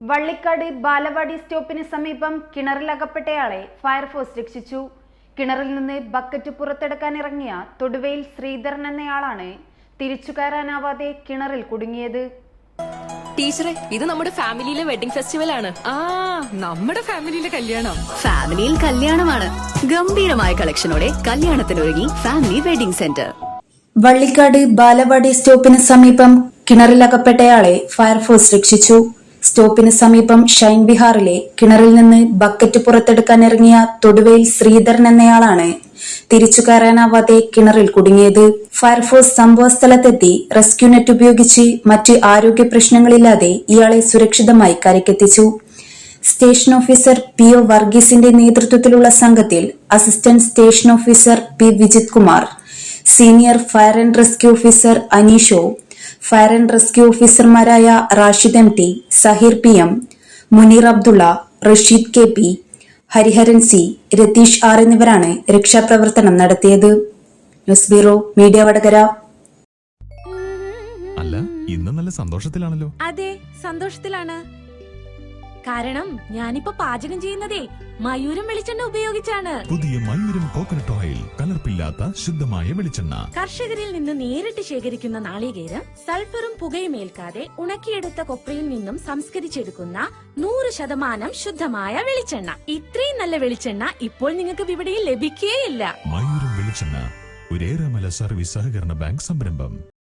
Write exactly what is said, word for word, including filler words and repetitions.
വള്ളിക്കാട് ബാലവാടി സ്റ്റോപ്പിന് സമീപം കിണറിലകപ്പെട്ടയാളെ ഫയർഫോഴ്സ് രക്ഷിച്ചു. കിണറിൽ നിന്ന് ബക്കറ്റ് പുറത്തെടുക്കാൻ ഇറങ്ങിയ തൊടുവയിൽ ശ്രീധരൻ എന്നയാളാണ് തിരിച്ചു കയറാനാവാതെ കിണറിൽ കുടുങ്ങിയത്. ടീച്ചറെ, ഇത് നമ്മുടെ ഫാമിലിയിലെ വെഡിങ് ഫെസ്റ്റിവൽ ആണ്. ആ നമ്മുടെ ഫാമിലിയിലെ കല്യാണം. ഫാമിലിയിൽ കല്യാണമാണ്. ഗംഭീരമായ കളക്ഷനോടെ കല്യാണത്തിനൊരുങ്ങി family wedding centre. Vallikkad Balavadi സ്റ്റോപ്പിന് സമീപം കിണറിലകപ്പെട്ടയാളെ ഫയർഫോഴ്സ് രക്ഷിച്ചു. സ്റ്റോപ്പിന് സമീപം ഷൈൻ വിഹാറിലെ കിണറിൽ നിന്ന് ബക്കറ്റ് പുറത്തെടുക്കാൻ ഇറങ്ങിയ തൊടുവയിൽ ശ്രീധരൻ എന്നയാളാണ് തിരിച്ചു കയറാനാവാതെ കിണറിൽ കുടുങ്ങിയത്. ഫയർഫോഴ്സ് സംഭവസ്ഥലത്തെത്തി റെസ്ക്യൂ നെറ്റ് ഉപയോഗിച്ച് മറ്റ് ആരോഗ്യ പ്രശ്നങ്ങളില്ലാതെ ഇയാളെ സുരക്ഷിതമായി കരയ്ക്കെത്തിച്ചു. സ്റ്റേഷൻ ഓഫീസർ പി ഒ വർഗീസിന്റെ നേതൃത്വത്തിലുള്ള സംഘത്തിൽ assistant station officer P Vijith Kumar, senior fire and rescue officer അനീഷോ, ഫയർ ആൻഡ് റെസ്ക്യൂ ഓഫീസർമാരായ Rashid M T, Saheer P M, Muneer Abdulla, Rasheed K P, Hariharan C, Ratheesh R എന്നിവരാണ് രക്ഷാപ്രവർത്തനം നടത്തിയത്. News bureau, media Vadakara. അല്ല, ഇന്ന് നല്ല സന്തോഷത്തിലാണല്ലോ. അതെ, സന്തോഷത്തിലാണ്. കാരണം ഞാനിപ്പോ പാചകം ചെയ്യുന്നതേ മയൂരം വെളിച്ചെണ്ണ ഉപയോഗിച്ചാണ്. പുതിയ മയൂരം കോക്കനട്ട് ഓയിൽ, കലർപ്പില്ലാത്ത ശുദ്ധമായ വെളിച്ചെണ്ണ. കർഷകരിൽ നിന്ന് നേരിട്ട് ശേഖരിക്കുന്ന നാളികേരം സൾഫറും പുകയും ഏൽക്കാതെ ഉണക്കിയെടുത്ത കൊപ്രയിൽ നിന്നും സംസ്കരിച്ചെടുക്കുന്ന നൂറ് ശതമാനം ശുദ്ധമായ വെളിച്ചെണ്ണ. ഇത്രയും നല്ല വെളിച്ചെണ്ണ ഇപ്പോൾ നിങ്ങൾക്ക് വിപണിയിൽ ലഭിക്കുകയില്ല. മയൂരം വെളിച്ചെണ്ണ, ഒരു ഏറെമല സർവീസ് സഹകരണ ബാങ്ക് സംരംഭം.